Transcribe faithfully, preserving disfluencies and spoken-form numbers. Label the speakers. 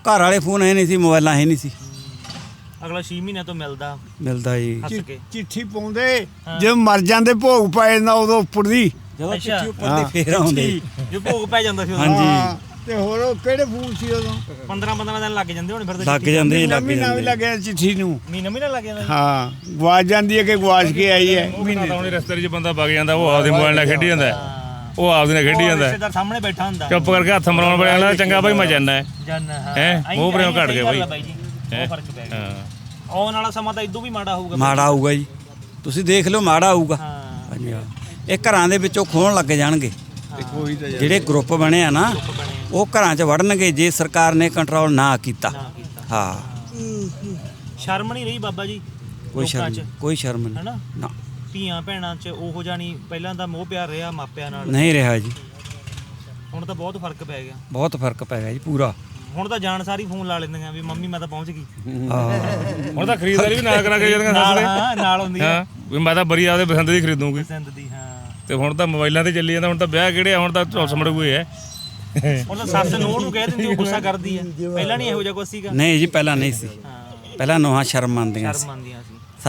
Speaker 1: ਘਰ ਵਾਲੇ ਫੋਨ ਹੈ ਨਹੀਂ ਸੀ, ਮੋਬਾਈਲਾਂ ਹੈ ਨਹੀਂ ਸੀ।
Speaker 2: ਅਗਲਾ ਛੇ ਮਹੀਨਿਆਂ ਤੋਂ ਮਿਲਦਾ
Speaker 1: ਮਿਲਦਾ ਜੀ।
Speaker 2: ਹੱਸ ਕੇ
Speaker 3: ਚਿੱਠੀ ਪਾਉਂਦੇ ਜਦੋਂ ਮਰ ਜਾਂਦੇ ਭੋਗ ਪੈ ਜਾਂਦਾ ਉਦੋਂ ਉੱਪਰ ਦੀ।
Speaker 1: ਜਦੋਂ
Speaker 2: ਅੱਛਾ।
Speaker 1: ਚਿੱਠੀ ਉੱਪਰ ਦੀ ਫੇਰ ਆਉਂਦੇ।
Speaker 2: ਜੋ ਭੋਗ ਪੈ ਜਾਂਦਾ ਸੀ ਉਦੋਂ।
Speaker 1: ਹਾਂਜੀ।
Speaker 3: ਹਾਂ, ਤੇ ਹੋਰ ਉਹ ਕਿਹੜੇ ਫੋਨ ਸੀ ਉਦੋਂ?
Speaker 2: ਪੰਦਰਾਂ ਪੰਦਰਾਂ ਦਿਨ ਲੱਗ ਜਾਂਦੇ ਹੁਣ ਫਿਰ ਤਾਂ
Speaker 1: ਲੱਗ
Speaker 2: ਚਿੱਠੀ
Speaker 1: ਜਾਂਦੇ ਜੀ, ਲੱਗ
Speaker 3: ਮਹੀਨਾ ਵੀ
Speaker 1: ਜਾਂਦੇ।
Speaker 3: ਲੱਗਿਆ ਚਿੱਠੀ ਨੂੰ।
Speaker 2: ਮਹੀਨਾ ਮਹੀਨਾ ਲੱਗ ਜਾਂਦਾ ਜੀ।
Speaker 3: ਹਾਂ, ਗਵਾਚ ਜਾਂਦੀ ਹੈ ਕਿ ਗਵਾਚ ਕੇ ਆਈ ਹੈ
Speaker 4: ਮਹੀਨੇ ਤਾਂ ਉਹਨੇ ਰਸਤੇ 'ਚ ਬੰਦਾ ਵਗ ਜਾਂਦਾ, ਉਹ ਆਪਦੇ ਮੋਬਾਈਲ ਨਾਲ ਖੇਡੀ ਜਾਂਦਾ, ਉਹ ਆਪਦੇ ਨਾਲ ਖੇਡੀ
Speaker 2: ਉਹ
Speaker 4: ਜਾਂਦਾ,
Speaker 2: ਰਿਸ਼ਤੇਦਾਰ ਸਾਹਮਣੇ ਬੈਠਾ ਹੁੰਦਾ
Speaker 4: ਚੁੱਪ ਕਰਕੇ ਹੱਥ ਮਰਾਉਣ ਵਾਲਾ ਚੰਗਾ ਭਾਈ ਮੈਂ ਜਾਂਦਾ
Speaker 2: ਜਨ ਹਾਂ
Speaker 4: ਹੈਂ?
Speaker 2: ਆਈਂ-
Speaker 4: ਮੂੰਹ ਪ੍ਰੇਮ
Speaker 2: ਆਈਂ
Speaker 4: ਘੱਟ
Speaker 2: ਸਹੀ
Speaker 4: ਗਿਆ
Speaker 2: ਗੱਲ ਆ
Speaker 4: ਬਾਈ।
Speaker 2: ਜੀ, ਉਹ ਫਰਕ ਪੈ ਗਿਆ।
Speaker 4: ਹਾਂ।
Speaker 2: ਆਉਣ ਵਾਲਾ ਸਮਾਂ ਤਾਂ ਇਦੋਂ ਵੀ ਮਾੜਾ ਹੋਊਗਾ ਬਾਈ।
Speaker 1: ਮਾੜਾ ਆਊਗਾ ਜੀ, ਤੁਸੀਂ ਦੇਖ ਲਓ ਮਾੜਾ ਆਊਗਾ।
Speaker 2: ਹਾਂ
Speaker 1: ਹਾਂਜੀ ਹਾਂ। ਇਹ ਘਰਾਂ ਦੇ ਵਿੱਚੋਂ ਖੋਣ ਲੱਗ ਜਾਣਗੇ।
Speaker 3: ਕੋਈ ਤਾਂ
Speaker 1: ਜਿਹੜੇ ਗਰੁੱਪ ਬਣੇ ਆ ਨਾ ਉਹ ਘਰਾਂ 'ਚ ਵੜਨਗੇ ਜੇ ਸਰਕਾਰ ਨੇ ਕੰਟਰੋਲ ਨਾ ਕੀਤਾ।
Speaker 2: ਨਾ ਕੀਤਾ।
Speaker 1: ਹਾਂ,
Speaker 2: ਸ਼ਰਮ ਨਹੀਂ ਰਹੀ ਬਾਬਾ ਜੀ
Speaker 1: ਕੋਈ
Speaker 2: ਲੋਕਾਂ
Speaker 1: ਸ਼ਰਮ
Speaker 2: 'ਚ,
Speaker 1: ਕੋਈ ਸ਼ਰਮ ਨਹੀਂ।
Speaker 2: ਹਨਾ
Speaker 1: ਨਾ,
Speaker 2: ਧੀਆਂ ਭੈਣਾਂ 'ਚ ਉਹੋ ਜਾਣੀ ਪਹਿਲਾਂ ਦਾ ਮੋਹ ਪਿਆਰ ਰਿਹਾ ਮਾਪਿਆਂ ਨਾਲ,
Speaker 1: ਨਹੀਂ ਰਿਹਾ ਜੀ।
Speaker 2: ਹੁਣ ਤਾਂ ਬਹੁਤ ਫਰਕ ਪੈ ਗਿਆ।
Speaker 1: ਬਹੁਤ ਫਰਕ ਪੈ ਗਿਆ ਜੀ ਪੂਰਾ।
Speaker 2: ਹੁਣ ਤਾਂ ਜਾਣ ਸਾਰੀ ਫੋਨ ਲਾ ਲੈਂਦੀਆਂ ਵੀ ਮੰਮੀ ਮੈਂ ਤਾਂ ਪਹੁੰਚ ਗਈ
Speaker 1: ਹਾਂ,
Speaker 4: ਹੁਣ ਤਾਂ ਖਰੀਦਦਾਰੀ ਵੀ ਨਾ ਕਰਾ ਕੇ ਜਾਂਦੀਆਂ
Speaker 2: ਨਾਲ।
Speaker 4: ਸੱਸ
Speaker 2: ਹਾਂ ਨਾਲ ਹੁੰਦੀ
Speaker 4: ਦੇ।
Speaker 2: ਆ
Speaker 4: ਹਾਂ ਵੀ ਮੈਂ ਤਾਂ ਬਰੀ ਆਪਦੇ ਪਸੰਦ ਦੀ ਖਰੀਦੂੰਗੀ,
Speaker 2: ਪਸੰਦ ਦੀ। ਹਾਂ
Speaker 4: ਤੇ ਹੁਣ ਤਾਂ ਮੋਬਾਈਲਾਂ ਤੇ ਚੱਲੀ ਜਾਂਦਾ, ਹੁਣ ਤਾਂ ਵਿਆਹ ਕਿਹੜੇ ਆ, ਹੁਣ ਤਾਂ ਝੋਲ ਸਮੜ ਗਏ ਹੈ।
Speaker 2: ਹੁਣ ਤਾਂ ਸੱਸ ਨੂੰਹ ਨੂੰ ਕਹਿ ਦਿੰਦੀ, ਉਹ ਗੁੱਸਾ ਕਰਦੀ ਆ। ਪਹਿਲਾਂ ਨਹੀਂ ਇਹੋ ਜਿਹਾ ਕੁਛ ਸੀਗਾ।
Speaker 1: ਨਹੀਂ ਜੀ ਪਹਿਲਾਂ ਨਹੀਂ ਸੀ।
Speaker 2: ਹਾਂ
Speaker 1: ਪਹਿਲਾਂ ਨੋਹਾਂ ਸ਼ਰਮ ਮੰਨਦੀਆਂ ਸੀ।
Speaker 2: ਸ਼ਰਮ ਆਉਂਦੀਆਂ ਸੀ।